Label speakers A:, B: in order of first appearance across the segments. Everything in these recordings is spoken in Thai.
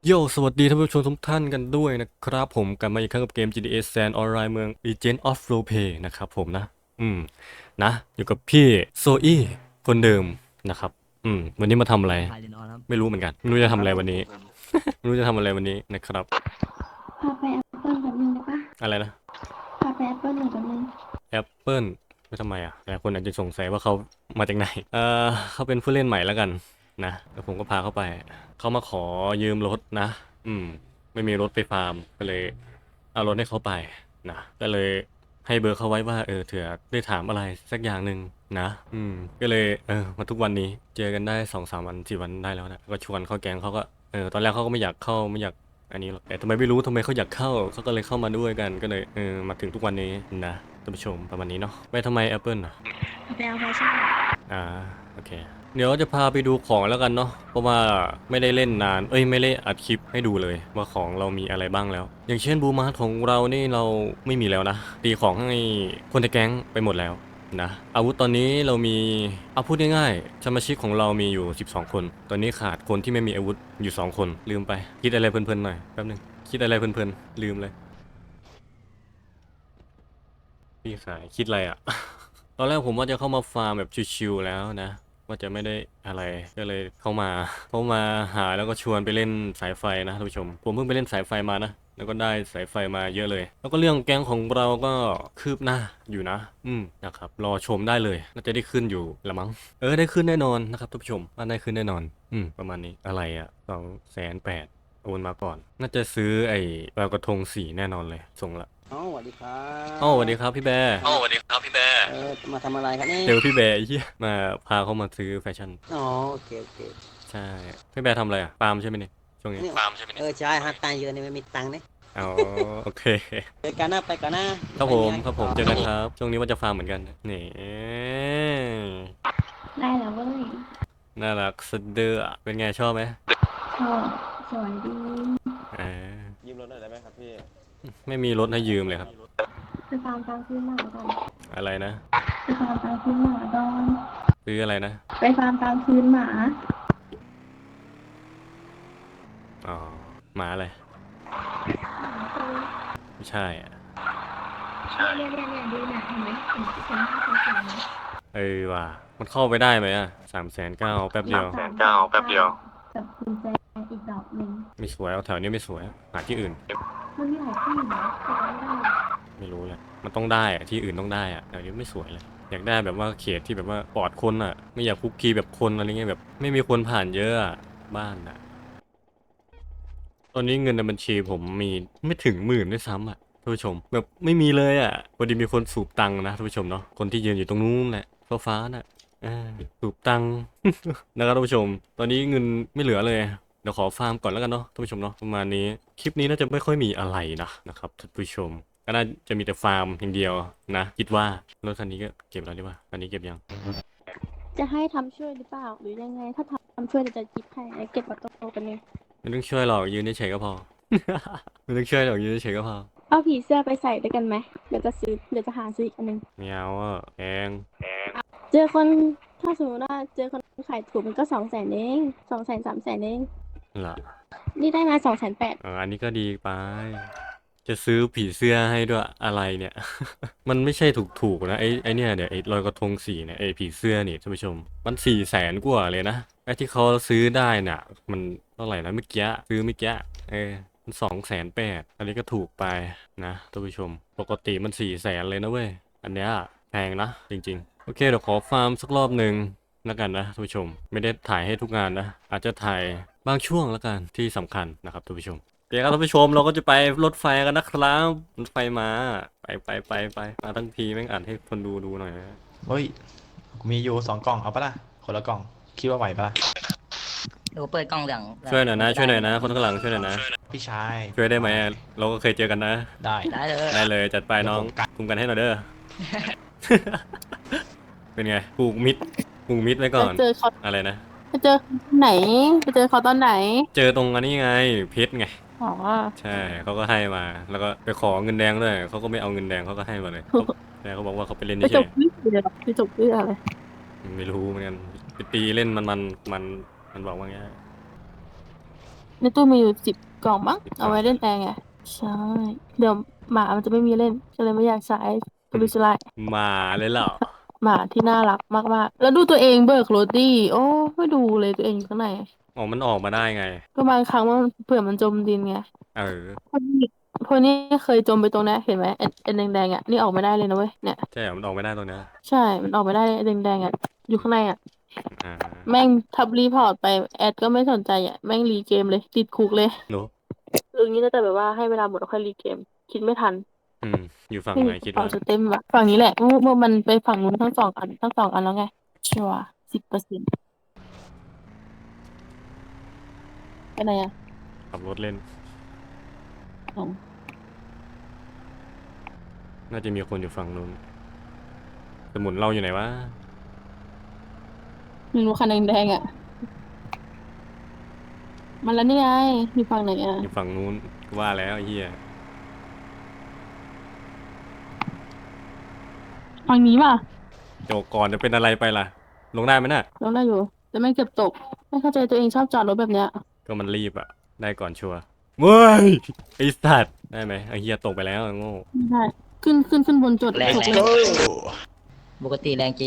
A: โยสวัสดีท่านผู้ชมทุกท่านกันด้วยนะครับผมกลับมาอีกครั้งกับเกม GTA San Online เมือง Legend of Roleplay นะครับผมนะอืมนะอยู่กับพี่โซอี้คนเดิมนะครับวันนี้มาทำอะไร
B: ไทยเลนออนครับ
A: ไม่รู้เหมือนกันไม่รู้จะทำอะไรวันนี้ไม่รู้จะทำอะไรวันนี้นะครับ
C: พาไปแอปเปิลแบบนึงได้ปะ
A: อะไรนะ
C: พาไปแอปเปิลหน่อยแบบนึง
A: แอปเปิลไม่ทำไมอ่ะหลายคนอาจจะสงสัยว่าเขามาจากไหนเขาเป็นผู้เล่นใหม่แล้วกันนะแล้วผมก็พาเขาไปเขามาขอยืมรถนะไม่มีรถไปฟาร์มก็เลยเอารถให้เขาไปนะก็เลยให้เบอร์เขาไว้ว่าเถื่อได้ถามอะไรสักอย่างหนึ่งนะก็เลยมาทุกวันนี้เจอกันได้2-3 วัน4 วันได้แล้วนะก็ชวนเข้าแก๊งเขาก็ตอนแรกเขาก็ไม่อยากเข้าไม่อยากอันนี้หรอกแต่ทำไมไม่รู้ทำไมเขาอยากเข้าเขาก็เลยเข้ามาด้วยกันก็เลยมาถึงทุกวันนี้นะท่านผู้ชมประมาณนี้เนาะไปทำไม Apple อ่ะ
C: พาไปเอาแฟชั่น
A: อ่าโอเคเดี๋ยวจะพาไปดูของแล้วกันเนาะเพราะว่าไม่ได้เล่นนานไม่ได้อัดคลิปให้ดูเลยว่าของเรามีอะไรบ้างแล้วอย่างเช่นบูมาร์ของเรานี่เราไม่มีแล้วนะตีของให้คนในแก๊งไปหมดแล้วนะอาวุธตอนนี้เรามีเอาพูดง่ายๆสมาชิกของเรามีอยู่12คนตอนนี้ขาดคนที่ไม่มีอาวุธอยู่2คนลืมไปคิดอะไรเพลินๆหน่อยแป๊บนึงคิดอะไรเพลินๆลืมเลยพี่ขายคิดอะไรอ่ะ ตอนแรกผมว่าจะเข้ามาฟาร์มแบบชิวๆแล้วนะว่าจะไม่ได้อะไรก็เลยเข้ามาหาแล้วก็ชวนไปเล่นสายไฟนะท่านผู้ชมผมเพิ่งไปเล่นสายไฟมานะแล้วก็ได้สายไฟมาเยอะเลย แล้วก็เรื่องแก๊งของเราก็คืบหน้าอยู่นะนะครับรอชมได้เลยน่าจะได้ขึ้นอยู่ละมั้งได้ขึ้นแน่นอนนะครับท่านผู้ชมว่าได้ขึ้นแน่นอนประมาณนี้อะไรอ่ะ280,000โอนมาก่อนน่าจะซื้อไอ้ปลากระทงสีแน่นอนเลยส่งละ
B: สวัสดีครั
A: สวัสดีครับพี่แบร์
B: สวัสดีครับพี่แบร์มาทำอะไรครับนี่
A: เจอพี่แบร์ไอ้เหี้ยมาพาเขามาซื้อแฟชั่น
B: อ๋อโอเคโอเค
A: ใช่พี่แบร์ทำอะไรอ่ะปาล์มใช่ไหมเนี่ยช่วงนี้
B: นี่ฟาร์มใช่ไหมเนี่ยใช่หาตังค์เยอะนี่ไม่มีตังค์เนี่ย
A: อ๋อโอเค
B: ไปกันนะไปกันนะครับ
A: ผมเจอกันครับช่วงนี้ว่าจะฟาร์มเหมือนกันนี่
C: ได้แล้วเว้ย
A: น่ารักสุดเด้อเป็นไงชอบไหม
C: ชอบสวยดี
A: อ่า
B: ยืมรถหน่อยได้ไหมครับพี่
A: ไม่มีรถให้ยืมเลยครับ
C: ไปฟาร์มกลางคืนหมาก่อน
A: อะไรนะ
C: ไปฟาร์มกลางคืนหมาก่อน
A: ซื้ออะไรนะ
C: ไปฟาร์มกลางคืนหมา
A: อ๋อหมาอะไรไม่ใช่อ่ะ
C: เนี่ยดูนะเห็นไหมเห็นหน้าเขาสวยไหม
A: ว่ะมันเข้าไปได้ไหมอ่ะ390,000แป๊บเดียว
C: กับกุญแจอีกดอกหนึ่ง
A: ไม่สวยเอาแถวนี้ไม่สวยหาที่อื่น
C: มันมีหลายที่นะแต่ไม่ได้
A: ไม่รู้เลยมันต้องได้อะที่อื่นต้องได้อะแต่นี้ไม่สวยเลยอยากได้แบบว่าเขตที่แบบว่าปลอดคนอะไม่อยากคุกคีแบบคนอะไรเงี้ยแบบไม่มีคนผ่านเยอะอะบ้านอะตอนนี้เงินในบัญชีผมมีไม่ถึง10,000ด้วยซ้ำอะท่านผู้ชมแบบไม่มีเลยอะพอดีมีคนสูบตังค์นะท่านผู้ชมเนาะคนที่ยืนอยู่ตรงนู้นแหละฟ้าน่ะสูบตังค์นะครับท่านผู้ชมตอนนี้เงินไม่เหลือเลยเดี๋ยวขอฟาร์มก่อนแล้วกันเนาะท่านผู้ชมเนาะประมาณนี้คลิปนี้น่าจะไม่ค่อยมีอะไรนะครับท่านผู้ชม ก็น่าจะมีแต่ฟาร์มอย่างเดียวนะคิดว่ารถคันนี้ก็เก็บแล้วดีว่าคันนี้เก็บยัง
C: จะให้ทำช่วยหรือเปล่าหรือยังไงถ้าทำช่วยจะจิบให้เก็บเอาโตๆกันเลย
A: ไม่ต้องช่วยหรอกยืนเฉยๆก็พอ ไม่ต้องช่วยหรอกยืนเฉยๆก็พอ
C: เอาผีเสื้อไปใส่ด้วยกันไหมเดี๋ยวจะหาซื้ออีกอันหนึง
A: ไม่เอาอ่ะแพง
C: เจอคนถ้าสมมติว่าเจอคนขายถูกมันก็200,000เอง200,000300,000เอง
A: ล่ะ
C: นี่ได้มา280,000
A: อันนี้ก็ดีไปจะซื้อผีเสื้อให้ด้วยอะไรเนี่ย มันไม่ใช่ถูกๆนะไอเนี่ยเดี๋ยวไอลอยกระทงสีเนี่ยไอผีเสื้อนี่ท่านผู้ชมมัน400,000กว่าเลยนะไอที่เขาซื้อได้น่ะมันเท่าไหร่นะเมื่อกี้ซื้อเมื่อกี้มัน280,000อันนี้ก็ถูกไปนะท่านผู้ชมปกติมัน400,000เลยนะเว้ยอันเนี้ยแพงนะจริงๆโอเคเดี๋ยวขอฟาร์มสักรอบหนึ่งแล้วกันนะท่านผู้ชมไม่ได้ถ่ายให้ทุกงานนะอาจจะถ่ายบางช่วงแล้วกันที่สำคัญนะครับท่านผู้ชม โอเคครับท่านผู้ชมเราก็จะไปรถไฟกันนะครับรถไฟมาไปมาทั้งทีแม่งอ่านให้คนดูหน่อยนะ
D: เฮ้ยกูมีอยู่2 กล่องเอาปะล่ะคนละกล่องคิดว่าไหวปะล่ะ
B: ดูเปิดกล้องเหลือง
A: ช่วยหน่อยนะคนข้างหลังช่วยหน่อยนะ
D: พี่ชาย
A: ช่วยได้ไหมเราก็เคยเจอกันนะ
D: ได้
A: ได้เลยจัดไปน้องคุมกันให้หน่อยเด้อ เป็นไงผูกมิดไว้ก่อน
C: เจอเขา
A: อะไรนะ
C: ไปเจอไหนไปเจอเขาตอนไหน
A: เจอตรงอันนี้ไงเพชรไง
C: อ๋อ
A: ใช่เขาก็ให้มาแล้วก็ไปขอเงินแดงด้วยเขาก็ไม่เอาเงินแดงเขาก็ให้มาเลยแต่เขาบอกว่าเขาไปเล่น
C: ไปจ
A: เฉ
C: บวิเดี๋ยวไปจบวิอะไร
A: ไม่รู้เหมือนกันไปตีเล่นมันบอกว่าไง
C: ในตู้มีอยู่10 กล่องมั้ง
A: 10
C: เอาไว้เล่นแอร์ไง ใช่ เดี๋ยวหมามันจะไม่มีเล่น ก็เลยไม่อยากใช้ก็เลยสไลด์
A: มาเลยเหรอ
C: หมาที่น่ารักมากๆ แล้วดูตัวเองเบิกรถดิโอ้ไม่ดูเลยตัวเองอยู่ข้างใน
A: อ๋อมันออกมาได้ไง
C: ก็บางครั้งมันเผื่อมันจมดินไง
A: เออ
C: พวกนี้เคยจมไปตรงนี้เห็นไหมไอ้แดงๆอ่ะนี่ออกไม่ได้เลยนะเว้ยเนี่ย
A: ใช่เหรอมันออกไม่ได้ตรงเนี้ย
C: ใช่มันออกไม่ได้เลยไอ้แดงๆอ่ะอยู่ข้างในอ่ะ
A: อ่า
C: แม่งทับรีพอร์ตไปแอดก็ไม่สนใจอ่ะแม่งรีเกมเลยติดคุกเลย
A: หนู
C: เรื่องนี้น่าจะแบบว่าให้เวลาหมดแล้วค่อยรีเกมคิดไม่ทัน
A: อยู่ฝั่ง
C: ไม่
A: ไหน
C: มีก
A: คิ
C: ระ
A: ด
C: เป๋า
A: ว่า
C: สเต็มอะฝั่งนี้แหละเมื่อมันไปฝั่งนู้นทั้งสองอันแล้วไงชัวร์10%ไปไหนอ่ะ
A: ขับรถเล่น
C: อ๋อ
A: น่าจะมีคนอยู่ฝั่งนู้นสมุนเราอยู่ไหนวะ
C: ไม่รู้คันแดงๆอ่ะมันแล้วนี่ไงอยู่ฝั่งไหนอ่ะ
A: อยู่ฝั่งนู้นกูว่าแล้วไอ้เหี้ย
C: ฝั่งนี้ป่ะ
A: โจกก่อนจะเป็นอะไรไปล่ะ ลงได้ไหมน่ะ
C: ลงได้อยู่แต่ไม่งเกือบตกไม่เข้าใจตัวเองชอบจอดรถแบบเนี้ย
A: ก็มันรีบอะได้ก่อนชัวร์เว้ยไอ้สัตว์ได้ไหมไอ้เหี้ยตกไปแล้วไอ้โง่
C: ไม่ได้ขึ้นบนจุด
B: แรง
C: ถูก
B: แร
C: เล
B: ง
C: ย
B: ปกติแรงจริง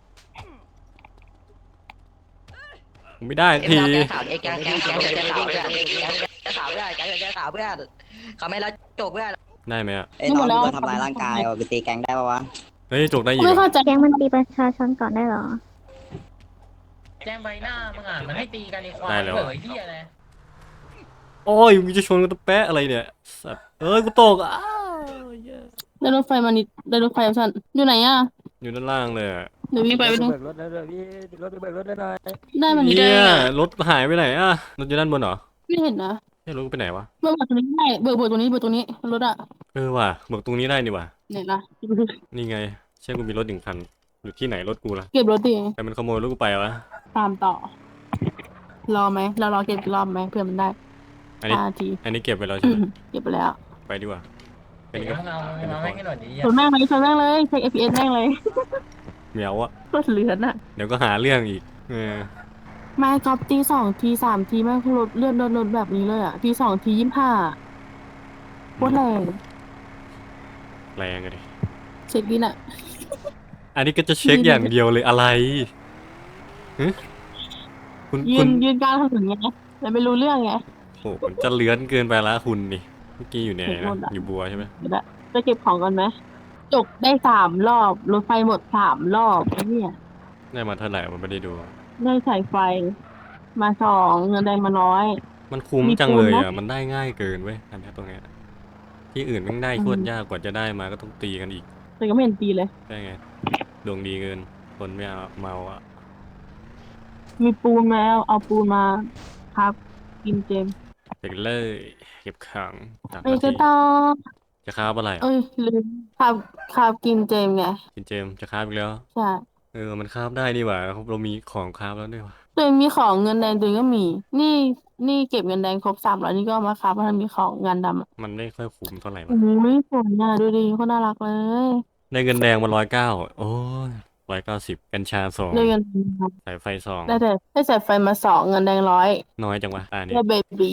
A: ไม่ได้
B: เอ็ม
A: ที
B: เราแกข่าวเอ็กแกข่าวเพื่อนแกข่าวเพื่อนแกข่าวเพื่อนเขาไม่รับจบเพื่อน
A: ได้ไหมอะ
B: ไอ้น้องโดนทำร้ายร่างกายว่ะไปตีแกงได้ปะวะ
A: เฮ้ยจกได้อีก
C: ไม่
A: เหรอ
C: เข้าใจ
E: แก๊งมันตีประชาชนก่อนได้เหรอ
F: แจ้งใบหน้ามึงอ่ะมันให้ตีกันในควาย
A: ได้แล้ว
F: เผ
A: อะ
F: ยที่อะไร
A: โอ้ยมึงจะชนกันตะแปะอะไรเนี่ยสัตว์เอ้ยกูตกอ้าวเหี้ย
C: ได้รถไฟมานิดได้รถไฟเอาสั้นอยู่ไหนอ่ะ
A: อยู่ด้านล่างเลยอะ
C: เดี๋ยววิ่งไปดู
B: เบิกรถแล้วเลยพี่รถไปเบิกรถได้หน่อย
C: ได้มัน
A: เหี้
C: ได้
A: ย
C: อะ
A: รถหายไปไหนอะรถอยู่ด้านบนเหรอ
C: ไม่เห็นนะ
A: ไม่รู้ไปไหนวะ
C: เบิกตัวนี้ได้เบิกตัวนี้รถอ่ะ
A: เออว่ะเบิกตรงนี้ได้นี่ว่ะ
C: เนี่ยนะ
A: นี่ไงใช่กูมีรถ1 คันอยู่ที่ไหนรถกูล่ะ
C: เก็บรถดิ
A: ใครมันขโมยรถกูไปวะ
C: ตามต่อ รอไหมเรารอเก็บอีกรอบไหมเพื่อมันได้
A: อันนี้
C: 5 นาที
A: อันนี้เก็บไปแล้วใช่ไหม
C: เก็บไปแล้ว
A: ไปดีกว่า
F: เดี๋ยวเอา
A: เป็น
F: เอา
A: ขอ
F: ให้
A: ง
F: กันหน่อยดิ
C: ชนแม่งเลยเช็ค FPS แม่งเลย
A: เหมียวอะ
C: รถเลือนอ่ะ
A: เดี๋ยวก็หาเรื่องอีก
C: ไม่ก๊อปตี2 ที 3 ทีแม่งรถเลื่อนรถแบบนี้เลยอ่ะที 2 ที 25โคตรแรง
A: แรงอะดิ
C: เช็คดิน่ะ
A: อันนี้ก็จะเช็คอย่างเดียวเลยอะไรฮะคุณ
C: ยื
A: คุณ
C: นกลางถนนไงแต่ไม่รู้เรื่องไง
A: โหมันจะเลื้อนเกินไปละคุณนี่เมื่อกี้อยู่ไหน
C: เห็นหม
A: นะ
C: ดอะ
A: อยู่บัวใช่ไหม
C: เดี๋ยวจะเก็บของกันไหมจกได้3 รอบรถไฟหมด3 รอบไอ้เนี่ย
A: ได้มาเท่าไหร่มันไม่ได้ดู
C: ได้สายไฟมา2เงินแดงมา100
A: มันคุ้ม
C: มี
A: จังเลย
C: ปูน
A: อ่ะ
C: นะ
A: มันได้ง่ายเกินเว้ยอันเนี้ยตรงเนี้ยที่อื่นแม่งได้โคตรยากกว่าจะได้มาก็ต้องตีกันอีก
C: แต่ก็ไม่เห็นตีเลย
A: ได้ไงดวงดีเกินคนไม่เอาเมาอ่ะ
C: มีปูนมาเอาปูนมาครับกินเจม
A: เด็กเลยเก็บขังจาก
C: ไป
A: นา
C: ก็
A: ที
C: ต่อ
A: จะคาบอะไรอ่ะ
C: เอ้ยลืมครับกินเจมไง
A: กินเจมส์จะคาบอีกแล้ว
C: ใช่
A: มันคาบได้นี่หว่าเรามีของคาบแล้วด้วยว่ะ
C: ตัวเองมีของเงินแดงตัวเองก็มี นี่เก็บเงินแดงครบ300นี่ก็เอามาครับเพราะมันมีของงานดำอ่ะ
A: มันไม่ค่อยคุ้มเท่าไหร่
C: โอ้
A: วะ
C: ยสวยอ่ะดูดิโคนน่ารักเลย
A: ได้เงินแดงมา109โอ้ย190กัญชา2
C: ได้เงินแดง
A: สายไฟ2
C: ได้สายไฟมา2เงินแดง100
A: น้อยจังวะนี่
C: ได้เบบี้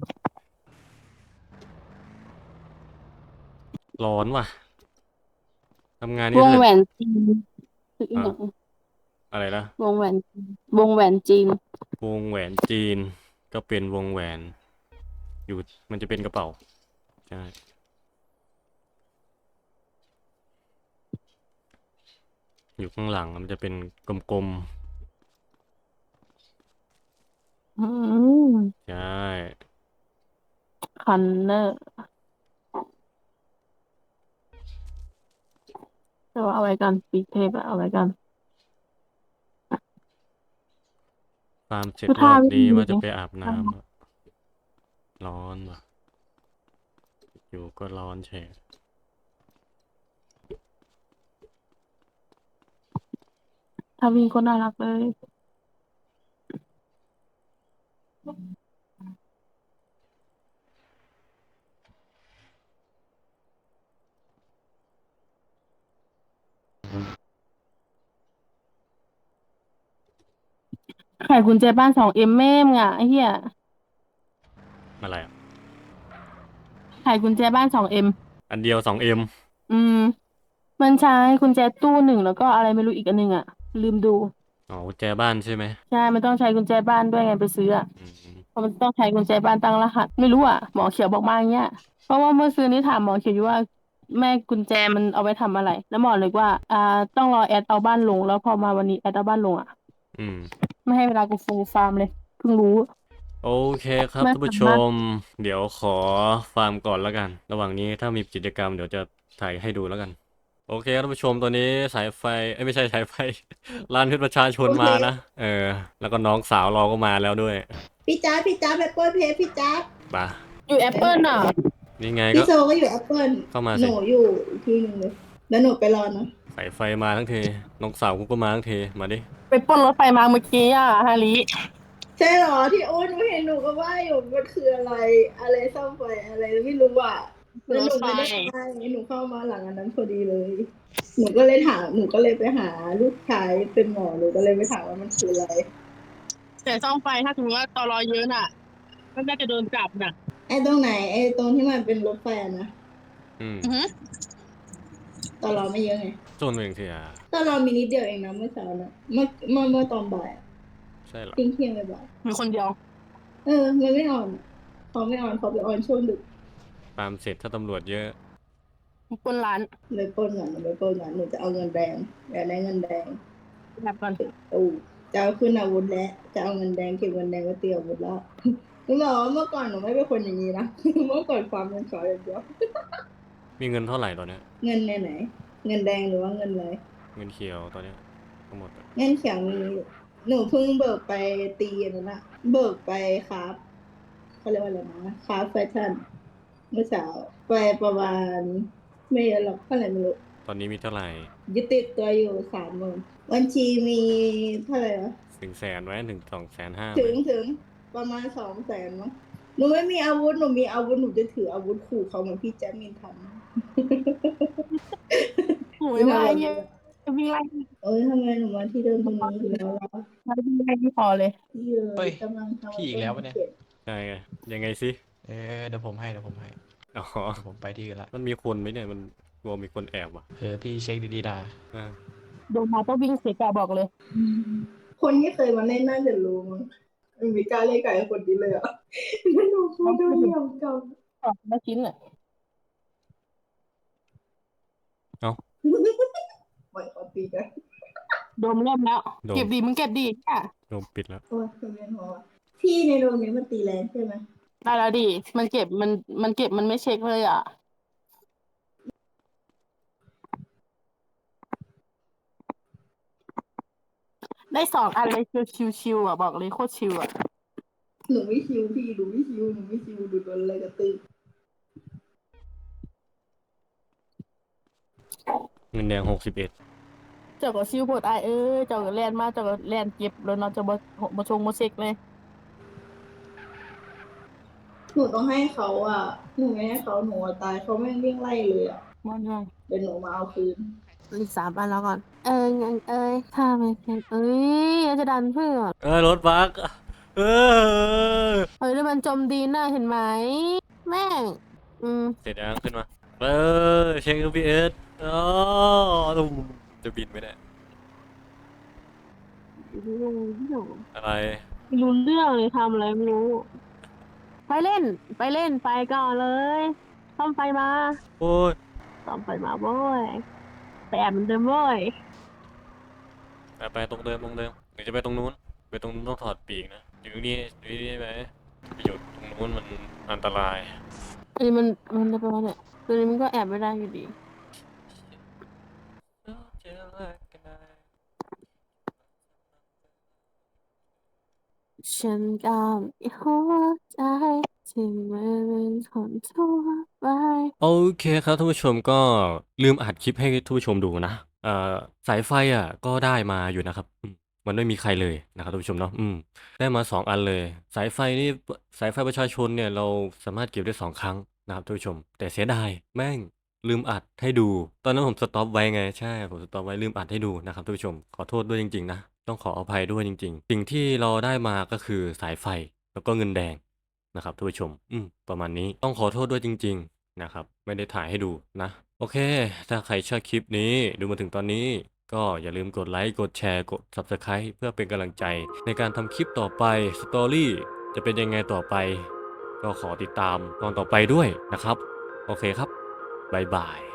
A: ร้อนว่ะทำงาน
C: ว
A: นี่
C: ง
A: คือ
C: แหวนจีนคืออีกอย่าง
A: อะไรนะ
C: วงแหวนจีนวงแหวนจีน
A: วงแหวนจีนก็เป็นวงแหวน อยู่มันจะเป็นกระเป๋าใช่อยู่ข้างหลังมันจะเป็นกลม
C: อืม
A: ๆใช่
C: คันเนอร์แต่ว่าเอาไว้กันปีเทพอะเอาไว้กัน
A: ฟาร์มเสร็จ
C: คือ
A: ร
C: ท่า
A: อบ
C: ไม่
A: นี้
C: ดี
A: ว่าจะ
C: ไง
A: ไปอาบน้ำอะร้อนว่ะอยู่ก็ร้อนเฉย
C: ถ้าวิ่งก็น่ารักเลย ขายกุญแจบ้าน2Mแม่มึงอ่ะไอ้เหี้ย
A: อะไรอะ
C: ไขกุญแจบ้าน2M
A: อันเดียว 2M
C: อืม มันใช้กุญแจตู้หนึ่งแล้วก็อะไรไม่รู้อีกอันหนึ่งอ่ะ ลืมดู
A: อ๋อกุญแจบ้านใช่ไหม
C: ใช่ มันต้องใช้กุญแจบ้านด้วยไงไปซื้ออ่ะ
A: อืม
C: เพราะมันต้องใช้กุญแจบ้านตั้งรหัส ไม่รู้อ่ะ หมอเขียวบอกมาอย่างเงี้ย เพราะว่าเมื่อคืนนี้ถามหมอเขียวอยู่ว่าแม่กุญแจมันเอาไว้ทำอะไร แล้วหมอเลยว่า ต้องรอแอดเอาบ้านลง แล้วพอมาวันนี้แอดเอาบ้านลงอ่ะ
A: อืม
C: ไม่ให้เวลากูฟูลฟาร์มเลย เพิ่งรู้
A: โอเคครับ
C: แม่
A: ท่านผู้ช
C: ทำบ้าน
A: ม เดี๋ยวขอฟาร์มก่อนแล้วกัน ระหว่างนี้ถ้ามีกิจกรรมเดี๋ยวจะถ่ายให้ดูแล้วกัน โอเคครับท่านผู้ชมตอนนี้สายไฟไม่ใช่สายไฟ ร้านเพชรประชาชนมานะ แล้วก็น้องสาวเราก็มาแล้วด้วย
G: พี่จ๊าบแอปเปิลเพจพี่จ๊าบ
A: มา
C: อยู่แอปเปิลอ่ะ
A: นี่ไงก็
G: พี่โซก็อยู่แอปเปิล
A: เข้ามา
G: ห
A: สิ
G: นูอยู่อีกที่หนึ่งเลย แล้วหนูไปรอนะ
A: สายไฟมาทั้งทีน้องสาวกูก็มาทั้งทีมาดิ
C: ไปปล้นรถไฟมาเมื่อกี้อ่ะฮาริ
G: ใช่เหรอที่โอ้หนูเห็นหนูก็ว่าอยู่มันคืออะไรซ่อมไฟอะไรไม่รู้อ่ะแล้วหนูไม่ได้ไปหนูเข้ามาหลังอันนั้นพอดีเลย หนูก็เลยไปหาลูกชายเป็นหมอหนูก็เลยไปถามว่ามันคืออะไร
C: แต่ซ่อมไฟถ้าถึงว่าตอรอเยอะน่ะก็น่าจะโดนจับน่ะ
G: ไอ้ตรงไหนไอ้ตรงที่มันเป็นรถไฟอะนะ
A: อืม
G: ตอนเราไม่เยอะไง
A: จนเองสิอ่ะ
G: ตอนเรามีนิดเดียวเองนะเมื่อเช้านะเมื่อตอนบ่ายอะ
A: ใช่เหรอ
G: เที่ยงไปบ่าย
C: มีคนเดียว
G: มันไม่ออนเขาไม่ออนเขาไปออนช่วงดึก
A: ตามเสร็จถ้าตำรวจเยอะ
C: ปล้นร้าน
G: เลยปล้นก่อนหนูไปปล้นก่อนหนูจะเอาเงินแดงอยากได้เงินแดง
C: แบบก่อน
G: ตู้จะเอาขึ้นอาวุธแล้วจะเอาเงินแดงเก็บเงินแดงไว้เตรียมอาวุธแล้วหนูบอกว่าเมื่อก่อนหนูไม่เป็นคนอย่างนี้นะ เมื่อก่อนความเงินขออย่างเดียว
A: มีเงินเท่าไหร่ตอนเนี้ย
G: เงินในไหน เงินแดงหรือว่าเงินอะไร
A: เงินเขียวตอนเนี้ยทั้งหมดอะ
G: เงินเขียวมีหนูเพิ่งเบิกไปตีนั่นนะเบิกไปครับเขาเรียกว่าอะไรนะครับแฟชั่นเมื่อเช้าไปประมาณไม่เยอะหรอกเท่าไหร่ไม่รู้
A: ตอนนี้มีเท่าไหร่
G: ยึดติดตัวอยู่30,000บัญชีมีเท่าไหร่วะ
A: 100,000ไว้1-250,000
G: ถึงประมาณ200,000มั้งหนูไม่มีอาวุธหนูมีอาวุธหนูจะถืออาวุธขู่เขาเหมือนพี่แจ๊มมินทำ
C: โอ้ยว่าเยอะวิ่งไล่
G: เอ้ยทำไมหนูมาที่เดิมตรงนี้อีกแล้วล่ะ
C: วิ่งไล่ที่พอเลย
G: พี่เล
D: เฮ้
G: ย
D: ย
G: กำลังทำ
D: พี่อีกแล้วปะเนี่ย
A: ใช่ไงยังไงสิ
D: เดี๋ยวผมให้
A: อ๋อ
D: เดี๋ยวผมไปที่อื่นละ
A: มันมีคนไหมเนี่ยมันกลัวมีคนแอบว่ะ
D: พี่เช็คดีๆนะ
A: อ่า
C: โดนมาต้องวิ่งเสียกาบอกเลย
G: คนที่เคยมาเล่นน่าจะรู้มั้งมีกล้าเล่นกับไอ้คนนี้เลยอ่ะแล้วหนูพูดด้วยเหลี่ยมกับ
C: ออกมาชิ้นอ่ะ
G: ปล่อยเขาตีกัน
C: โดมเริ่มแล้ว เก็บดีมึงเก็บดีอ่ะ
A: โดนปิดแล้ว
G: โอ้ยคุณเวียนหัวพี่ในโรงนี้มันตีแรงใช่ไหม
C: ได้แล้วดิมันเก็บมันเก็บมันไม่เช็คเลยอ่ะ ได้2 อันเลยชิวๆอ่ะบอกเลยโคตรชิวอ่ะ
G: หนูไม่ชิวพี่หนูไม่ชิวดูโดนอะไรกระตือ
A: เงินแดง61
C: เจ้าก็ชิวโพดเจ้าก็แลนมาเจ้าก็แลนเก็บแล้วเนาะเจ้าบ่ชงบ่เช็คเลย
G: หนูต้องให้เขาอ่ะหนูไม่ให้เขาหนูอะตายเขาแม่งวิ่งไล่เลยอ่ะ
C: มันไง
G: เดี๋ยวหนูมาเอาคืน
C: อีก3 อันแล้วก่อน งั้นถ้าไม่เป็นจะดันเพื่อน
A: รถบักเออ
C: เฮ้ยแล้วมันจมดินน่ะเห็นไหม แม่ง
A: เสร็จยังขึ้นมาเช็ค GPS อ๋อตุ้มจะบินไหมเนี่ยอะไร
C: ไม่รู้เรื่องเลยทำอะไรไม่รู้ ไปเล่นไปก่อนเลยซ่อมไฟมา
A: โอ้ย
C: ซ่อมไฟมาโว้ยไปแอบเหมือนเดิมโว้ย
A: ไปตรงเดิมหรือจะไปตรงนู้นต้องถอดปีกนะอยู่นี่ได้ไหมไปอยู่ตรงนู้นมันอันตราย
C: อันนี้มันจะไปว่าเนี่ยตัวนี้มันก็แอบไม่ได้อยู่ดี ฉันก็มีหัวใจที่ไม่เป็นคนทั่วไป โอเคครับท่านผู้ชมก็ลืมอัดคลิปให้ท่านผู้ชมดูนะสายไฟก็ได้มาอยู่นะครับมันไม่มีใครเลยนะครับท่านผู้ชมเนาะได้มา2 อันเลย สายไฟนี่สายไฟประชาชนเนี่ยเราสามารถเก็บได้2 ครั้งนะครับท่านผู้ชม แต่เสียดายแม่งลืมอัดให้ดู ตอนนั้นผมสต็อปไว้ไงใช่ผมสต็อปไว้ลืมอัดให้ดูนะครับท่านผู้ชมขอโทษด้วยจริงๆนะต้องขออภัยด้วยจริงๆสิ่งที่เราได้มาก็คือสายไฟแล้วก็เงินแดง
A: นะครับท่านผู้ชมประมาณนี้ต้องขอโทษด้วยจริงๆนะครับไม่ได้ถ่ายให้ดูนะโอเคถ้าใครชอบคลิปนี้ดูมาถึงตอนนี้ก็อย่าลืมกดไลค์กดแชร์กด Subscribe เพื่อเป็นกำลังใจในการทำคลิปต่อไปสตอรี่จะเป็นยังไงต่อไปก็ขอติดตามตอนต่อไปด้วยนะครับโอเคครับบ๊ายบาย